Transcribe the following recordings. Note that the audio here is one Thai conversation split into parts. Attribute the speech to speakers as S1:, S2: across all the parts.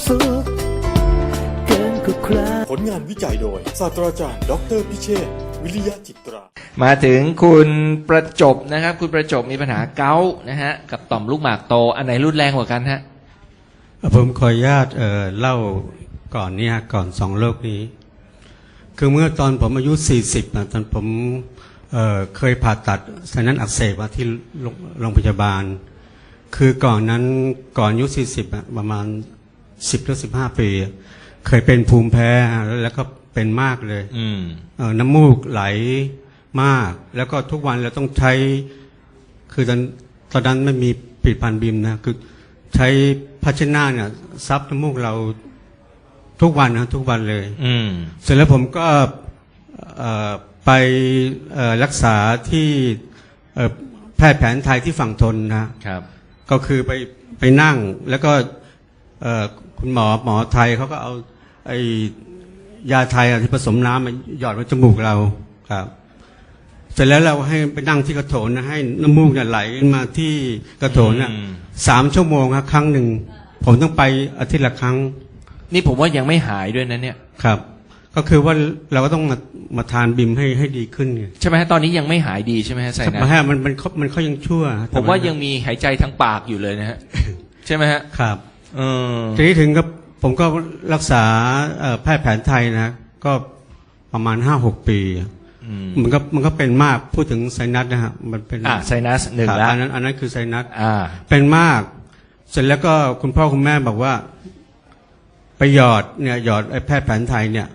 S1: สุขเกินกว่าใคร
S2: ผลงานวิจัยโดยศาสตราจารย์ดออเตอร์พิเชษฐ์วิริยะจิตรา
S3: มาถึงคุณประจบนะครับคุณประจบมีปัญหาเกาต์นะฮะกับต่อมลูกหมากโตอันไหนรุนแรงกว่ากันฮะ
S4: ผมขออนุญาตเล่าก่อนนี้ก่อน2 โรคนี้คือเมื่อตอนผมอายุ40ตอนผมเคยผ่าตัดไซนัสอักเสบมาที่โรงพยาบาลคือก่อนนั้นก่อนอายุ40ประมาณ10 หรือ 15 ปีเคยเป็นภูมิแพ้แล้วก็เป็นมากเลยน้ำมูกไหลมากแล้วก็ทุกวันเราต้องใช้คือตอนนั้นไม่มีผลิตภัณฑ์บิมนะคือใช้ภาชนะเนี่ยซับน้ำมูกเราทุกวันนะทุกวันเลยเสร็จแล้วผมก็ไปรักษาที่แพทย์แผนไทยที่ฝั่งทนนะครับก็คือไปนั่งแล้วก็คุณหมอไทยเขาก็เอาไอ้ยาไทยที่ผสมน้ำมาหยอดไว้จมูกเราครับเสร็จแล้วเราให้ไปนั่งที่กระโถนนะให้น้ำมูกเนี่ยไหลมาที่กระโถนน่ะ3 ชั่วโมงครับครั้งหนึ่งผมต้องไปอาทิตย์ละครั้ง
S3: นี่ผมว่ายังไม่หายด้วยนะเนี่ย
S4: ครับก็คือว่าเราก็ต้องมาทานบิมให้ดีขึ้น
S3: ใช่ไหมฮะตอนนี้ยังไม่หายดีใช่ไหมฮะไซนัส
S4: มันเขายังชั่ว
S3: ผมว่ายังมีหายใจทางปากอยู่เลยนะฮะใช่ไหมฮะ
S4: ครับทีนี้ถึงกับผมก็รักษาแพทย์แผนไทยนะก็ประมาณ 5-6 ปีมันก็เป็นมากพูดถึงไซนัสนะฮะมันเป็น
S3: ไซนัส1แล้ว
S4: อันนั้นคือไซนัสเป็นมากเสร็จแล้วก็คุณพ่อคุณแม่บอกว่าไปหยอดไอ้แพทย์แผนไทยเนี่ย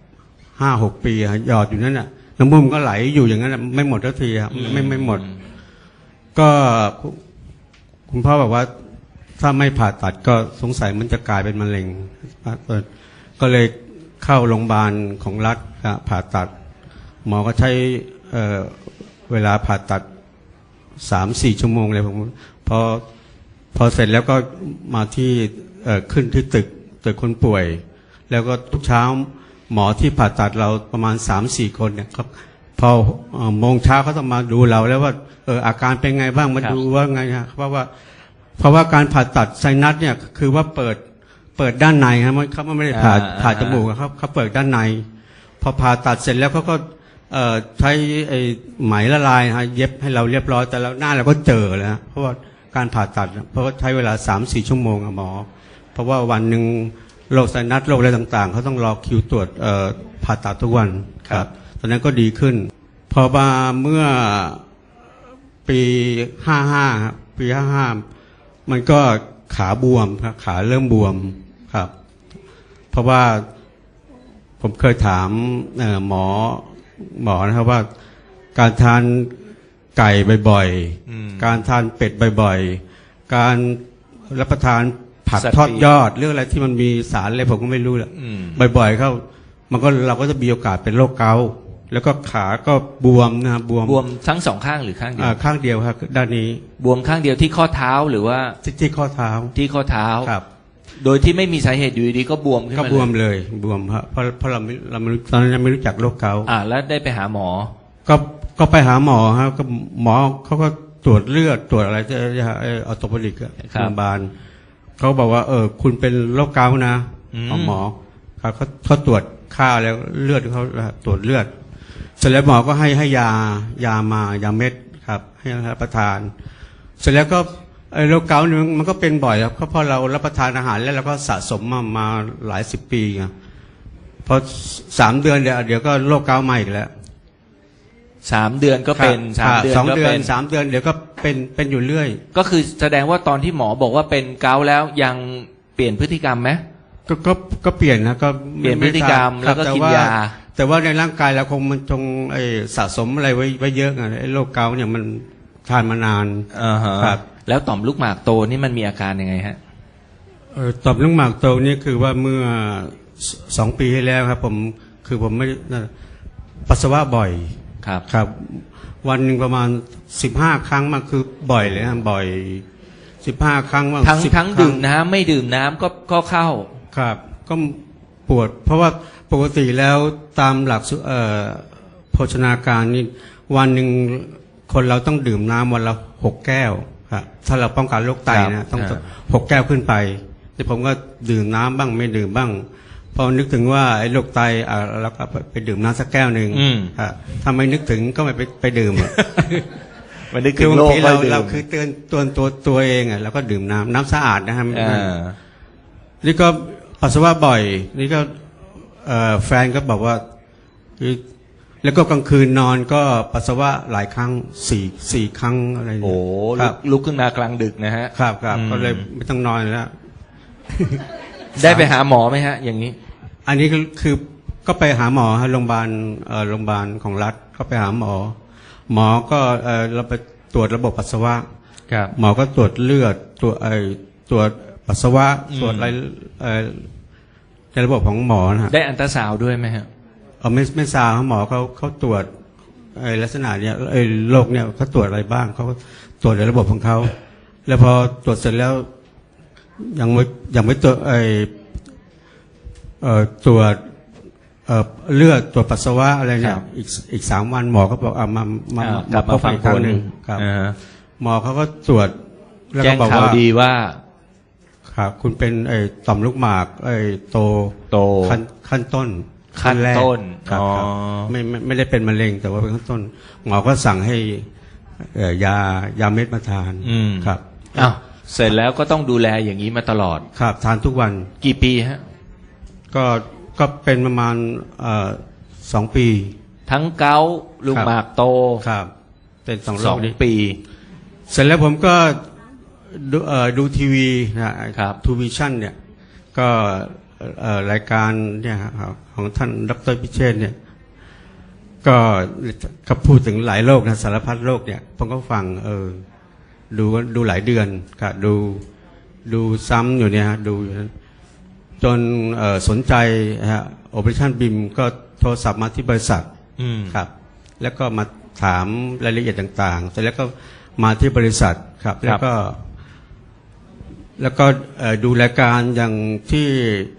S4: 5-6 ปีหยอดอยู่นั่นน่ะน้ำมูกก็ไหลอยู่อย่างนั้นไม่หมดทันทีครับไม่หมดก็คุณพ่อบอกว่าถ้าไม่ผ่าตัดก็สงสัยมันจะกลายเป็นมะเร็งก็เลยเข้าโรงพยาบาลของรัฐผ่าตัดหมอก็ใช้เวลาผ่าตัด 3-4 ชั่วโมงเลยผมพอเสร็จแล้วก็มาที่ขึ้นที่ตึกคนป่วยแล้วก็ทุกเช้าหมอที่ผ่าตัดเราประมาณ 3-4 คนเนี่ยครับพอโมงเช้าเขาต้องมาดูเราแล้วว่าอาการเป็นไงบ้างมาดูว่าไงฮะเพราะว่าการผ่าตัดไซนัสเนี่ยคือว่าเปิดด้านในครับเขาไม่ได้ผ่าจมูกครับเขาเปิดด้านในพอผ่าตัดเสร็จแล้วเขาก็ใช้ไอ้ไหมละลายฮะเย็บให้เราเรียบร้อยแต่แล้วหน้าเราก็เจอแล้วเพราะว่าการผ่าตัดเพราะว่าใช้เวลา 3-4 ชั่วโมงหมอเพราะว่าวันหนึ่งโรคไซนัสโรคอะไรต่างๆเขาต้องรอคิวตรวจผ่าตัดทุกวันครับตอนนั้นก็ดีขึ้นพอมาเมื่อปี55ครับปี55มันก็ขาบวมครับขาเริ่มบวมครับเพราะว่าผมเคยถามหมอนะครับว่าการทานไก่บ่อยๆการทานเป็ดบ่อยๆการรับประทานผักทอดยอดเรื่องอะไรที่มันมีสารอะไรผมก็ไม่รู้แหละบ่อยๆเข้าเราก็จะมีโอกาสเป็นโรคเกาต์แล้วก็ขาก็บวมนะครับบวม
S3: ทั้ง2 ข้างหรือข้างเดียว
S4: ข้างเดียวครับด้านนี้
S3: บวมข้างเดียวที่ข้อเท้าหรือว่า
S4: ที่ข้อเท้า
S3: ครับโดยที่ไม่มีสาเหตุอยู่ดีๆก็บวมขึ้นมา
S4: ก็บวมเลยบวมครับเพราะเราตอนนั้นยังไม่รู้จักโรคเกาต์
S3: แล้วได้ไปหาหมอ
S4: ก็ไปหาหมอครับก็หมอเขาก็ตรวจเลือดตรวจอะไรออโตโปดิกโรงพยาบาลเขาบอกว่าคุณเป็นโรคเกาต์นะหมอเขาตรวจค่าแล้วเลือดเขาตรวจเลือดเสร็จแล้วหมอก็ให้ยาเม็ดครับให้รับประทานเสร็จแล้วก็โรคเกาต์นี่มันก็เป็นบ่อยครับเพราะเรารับประทานอาหารแล้วเราก็สะสมมาหลาย10 ปีไงพอ3 เดือนเดี๋ยวก็โรคเกาต์ใหม่อีกแล้ว
S3: 3 เดือนก็เป็น3 เดือนก็เป็น
S4: 3 เดือนเดี๋ยวก็เป็นอยู่เรื่อย
S3: ก็คือแสดงว่าตอนที่หมอบอกว่าเป็นเกาต์แล้วยังเปลี่ยนพฤติกรรมไหม
S4: ก็เปลี่ยนนะก็
S3: เปลี่ยนพฤติกรรมแล้วก็กินยา
S4: แต่ว่าในร่างกายเราคงมันจงสะสมอะไรไว้เยอะไงไอ้โรคเกาต์เนี่ยมันทานมานาน
S3: ครับแล้วต่อมลูกหมากโตนี่มันมีอาการยังไงฮะ
S4: ต่อมลูกหมากโตนี่คือว่าเมื่อ2 ปีที่แล้วครับผมไม่ปัสสาวะบ่อยครับวันหนึ่งประมาณ15 ครั้งมันคือบ่อยเลยนะบ่อย15 ครั้งว่า
S3: ทั้งดื่มน้ำไม่ดื่มน้ำก็เข้า
S4: ครับก็ปวดเพราะว่าปกติแล้วตามหลักโภชนาการนี่วันหนึ่งคนเราต้องดื่มน้ำวันละ6 แก้วครับถ้าเราป้องกันโรคไตนะต้อง6 แก้วขึ้นไปแต่ผมก็ดื่มน้ำบ้างไม่ดื่มบ้างพอนึกถึงว่าไอ้โรคไตแล้วก็ไปดื่มน้ำสักแก้วหนึ่งถ้าไม่นึกถึงก็ไม่ไปดื่ม
S3: มันนึก
S4: คื
S3: ถึ
S4: อง บา
S3: โล
S4: ง
S3: ก
S4: ที
S3: ก็
S4: เรา
S3: ดื่ม
S4: คือเตือนตัวเองอ่ะแล้วก็ดื่มน้ำสะอาดนะครับ นี่ก็ปัสสาวะบ่อยนี่ก็แฟนก็บอกว่าแล้วก็กลางคืนนอนก็ปัสสาวะหลายครั้งสี่ครั้งอะไรเนี่ย
S3: โอ้
S4: ครับ
S3: ลุกขึ้นมากลางดึกนะฮะ
S4: ครับก็เลยไม่ต้องนอนแล้ว
S3: ได้ไปหาหมอไหมฮะ อย่างนี้
S4: อันนี้คือก็ไปหาหมอฮะโรงพยาบาลของรัฐก็ไปหาหมอก็เราไปตรวจระบบปัสสาวะ
S3: ครับ
S4: หมอก็ตรวจเลือดตรวจปัสสาวะตรวจอะไรในระบบของหมอนะฮะ
S3: ได้อันตราซาวด์ด้วยไหมฮะ
S4: ไม่ทราบหมอเขาตรวจลักษณะเนี้ยโรคเนี่ยเขาตรวจอะไรบ้างเขาตรวจในระบบของเขาแล้วพอตรวจเสร็จแล้วยังไม่ตรวจตรวจเลือดตรวจปัสสาวะอะไรเนี่ยอีก3 วันหมอก็บอกมาก
S3: ลับมาฟังผล
S4: ครับหมอเขาก็ตรวจแล้ว
S3: แจ้
S4: ก็
S3: ง
S4: บอก
S3: ข่าว
S4: ว่า
S3: ดีว่า
S4: ครับคุณเป็นต่อมลูกหมากโตขั้นต้น
S3: ขั้นต้น
S4: ครับ
S3: อ๋อ
S4: ไม่ได้เป็นมะเร็งแต่ว่าเป็นขั้นต้นหมอก็สั่งให้ยาเม็ดมาทานครับ
S3: อ้าวเสร็จแล้วก็ต้องดูแลอย่างนี้มาตลอด
S4: ครับทานทุกวัน
S3: กี่ปีฮะ
S4: ก็เป็นประมาณ2 ปี
S3: ทั้งเกาต์ลูกหมากโต
S4: ครับเป็น2 โร
S3: สอ
S4: ค
S3: ง
S4: นี้
S3: ปี
S4: เสร็จแล้วผมก็ดูทีวีนะครับทูวิชั่นเนี่ยก็รายการเนี่ยครับของท่านดร.พิเชษฐ์เนี่ยก็พูดถึงหลายโรคนะสารพัดโรคเนี่ยผมก็ฟังดูหลายเดือนครับดูซ้ำอยู่เนี่ยฮะดูอยู่นั้นจนสนใจฮะ Operation BIM ก็โทรศัพท์มาที่บริษัทครับแล้วก็มาถามรายละเอียดต่างๆเสร็จแล้วก็มาที่บริษัทครับแล้วก็ดูรายการอย่างที่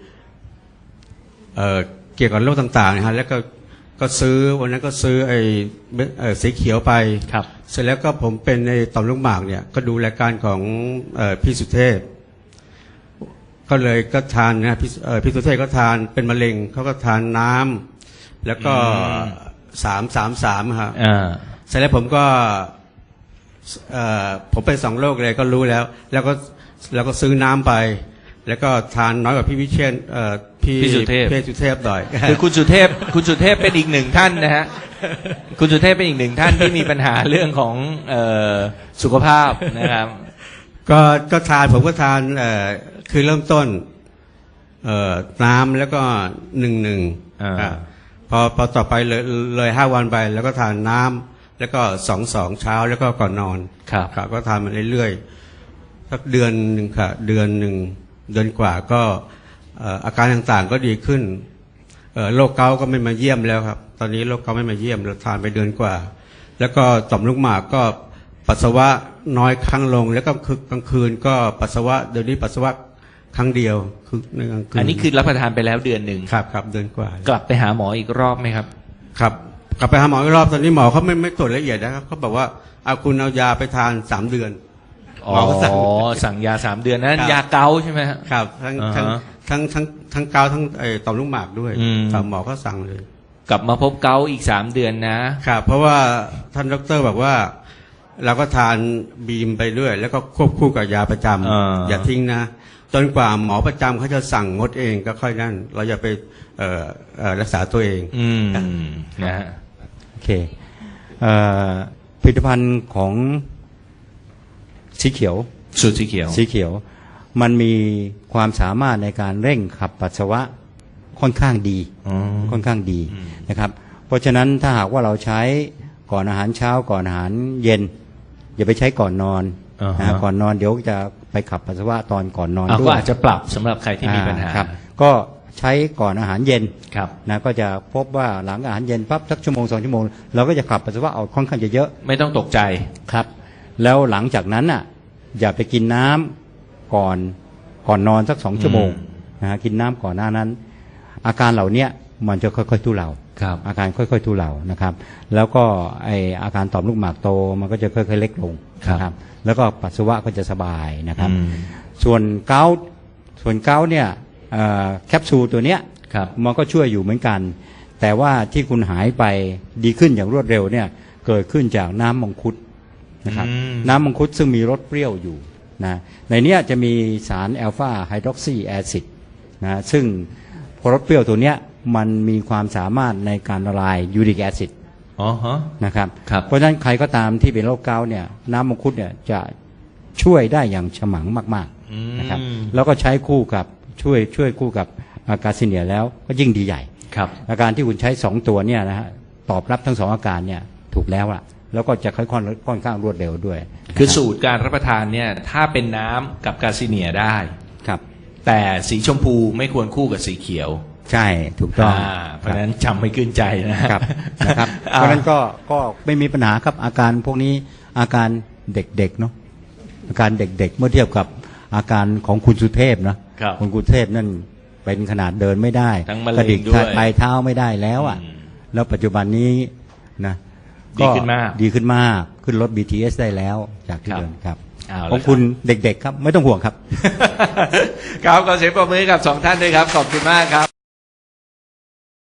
S4: เกี่ยวกับโรคต่างๆนะฮะแล้วก็ซื้อวันนั้นก็ซื้อสีเขียวไป
S3: ครับ
S4: เสร็จแล้วก็ผมเป็นในต่อมลูกหมากเนี่ยก็ดูรายการของพี่สุเทพก็เลยก็ทานนะพี่สุเทพก็ทานเป็นมะเร็งเขาก็ทานน้ำแล้วก็333ครับเสร็จแล้วผมก็ผมเป็น2 โรคเลยก็รู้แล้วก็ซื้อน้ำไปแล้วก็ทานน้อยกว่าพี่วิเชียรพี่สุเทพหน่อย
S3: คือคุณสุเทพเป็นอีกหนึ่งท่านนะฮะคุณสุเทพเป็นอีกหนึ่งท่านที่มีปัญหาเรื่องของสุขภาพนะครับ
S4: ก็ทานผมก็ทานคือเริ่มต้นน้ำแล้วก็1 พอต่อไปเลย5 วันไปแล้วก็ทานน้ำแล้วก็2 เช้าแล้วก็ก่อนนอนครับก็ทานมาเรื่อยๆสักเดือนหนึ่งค่ะเดือนกว่าก็อาการต่างๆก็ดีขึ้นโรคเกาต์ก็ไม่มาเยี่ยมแล้วครับตอนนี้โรคเกาต์ไม่มาเยี่ยมเราทานไปเดือนกว่าแล้วก็ต่อมลูกหมากก็ปัสสาวะน้อยครั้งลงแล้วก็กลางคืนก็ปัสสาวะเดี๋ยวนี้ปัสสาวะครั้งเดียวคือในกลางคืน
S3: อันนี้คือรับประทานไปแล้วเดือนหนึ่ง
S4: ครับเดือนกว่าก
S3: ลับไปหาหมออีกรอบไหมครับ
S4: ครับกลับไปหาหมออีกรอบตอนนี้หมอเขาไม่ตรวจละเอียดนะครับเขาบอกว่าคุณเอายาไปทาน3 เดือน
S3: หมอสั่งยา3 เดือนนั้นยาเกาใช่ไหม
S4: ครับทั้งเกาทั้งต่อมลูกหมากด้วยหมอก็สั่งเลย
S3: กลับมาพบเกาอีก3 เดือน
S4: นะครับเพราะว่าท่านดร.บอกว่าเราก็ทานบีมไปด้วยแล้วก็ควบคู่กับยาประจำอย่าทิ้งนะจนกว่าหมอประจำเขาจะสั่งงดเองก็ค่อยนั่นเราอย่าไปรักษาตัวเอง
S3: นะฮะ
S5: โอเคผลิตภัณฑ์ของสีเขียว
S3: สูตรสีเขียว
S5: มันมีความสามารถในการเร่งขับปัสสาวะค่อนข้างดีนะครับเพราะฉะนั้นถ้าหากว่าเราใช้ก่อนอาหารเช้าก่อนอาหารเย็นอย่าไปใช้ก่อนนอนก่อนนอนเดี๋ยวจะไปขับปัสสาวะตอนก่อนนอนด้วย
S3: ก็อาจจะปรับสำหรับใครที่มีปัญหา
S5: ครับก็ใช้ก่อนอาหารเย็น
S3: ครับ
S5: นะก็จะพบว่าหลังอาหารเย็นปั๊บสัก1-2 ชั่วโมงเราก็จะขับปัสสาวะออกค่อนข้างจะเยอะ
S3: ไม่ต้องตกใจ
S5: ครับแล้วหลังจากนั้นอ่ะอย่าไปกินน้ำก่อนนอนสัก2 ชั่วโมงนะกินน้ำก่อนหน้านั้นอาการเหล่านี้มันจะค่อยๆทุเลาอาการค่อยๆทุเลานะครับแล้วก็อาการต่อมลูกหมากโตมันก็จะค่อยๆเล็กลงนะครับแล้วก็ปัสสาวะก็จะสบายนะครับส่วนเกาต์ส่วนเกาต์เนี่ยแคปซูลตัวเนี้ย
S3: ครับ
S5: มันก็ช่วยอยู่เหมือนกัน แต่ว่าที่คุณหายไปดีขึ้นอย่างรวดเร็วเนี่ยเกิดขึ้นจากน้ำมังคุดนะครับ น้ำมังคุดซึ่งมีรสเปรี้ยวอยู่นะในเนี้ยจะมีสารแอลฟาไฮดรอกซีแอซิดนะซึ่งพอรสเปรี้ยวตัวเนี้ยมันมีความสามารถในการละลายยูริกแอซิด
S3: อ๋อฮะ
S5: นะครับ
S3: ครับ
S5: เพราะฉะนั้นใครก็ตามที่เป็นโรคเกาต์เนี่ยน้ำมังคุดเนี่ยจะช่วยได้อย่างฉมังมากๆนะครับแล้วก็ใช้คู่กับช่วยคู่กับกาซิเนียแล้วก็ยิ่งดีใหญ่
S3: ครับ
S5: อาการที่คุณใช้2ตัวเนี่ยนะฮะตอบรับทั้ง2อาการเนี่ยถูกแล้วล่ะแล้วก็จะค่อนข้างรวดเร็วด้วย
S3: คือสูตรการรับประทานเนี่ยถ้าเป็นน้ำกับกาซิเนียได้
S5: ครับ
S3: แต่สีชมพูไม่ควรคู่กับสีเขียว
S5: ใช่ถูกต้อง
S3: เพราะฉะนั้นจำไม่ขึ้นใจนะครับ
S5: นะครับ เพราะฉะนั้นก็ไม่มีปัญหาครับอาการพวกนี้อาการเด็กๆเนาะอาการเด็กๆเมื่อเทียบกับอาการของคุณสุเทพนะครับ คุณสุเทพนั่นเป็นขนาดเดินไม่ได้
S3: ทั้งมะ
S5: ก
S3: เร็
S5: ระดิ
S3: ง
S5: ก
S3: ด้วย
S5: ปลายเท้าไม่ได้แล้วอ่ะแล้วปัจจุบันนี้นะ
S3: ดีขึ้นมาก
S5: ดีขึ้นมากขึ้นรถ BTS ได้แล้วจากที่
S3: ครับ
S5: เดินครับ
S3: เอาละ
S5: ของคุณเด็กๆครับไม่ต้องห่วงครับ
S3: ครับขอเสียงปรบมือให้กับสองท่านด้วยครับ ขอบคุณมากครับ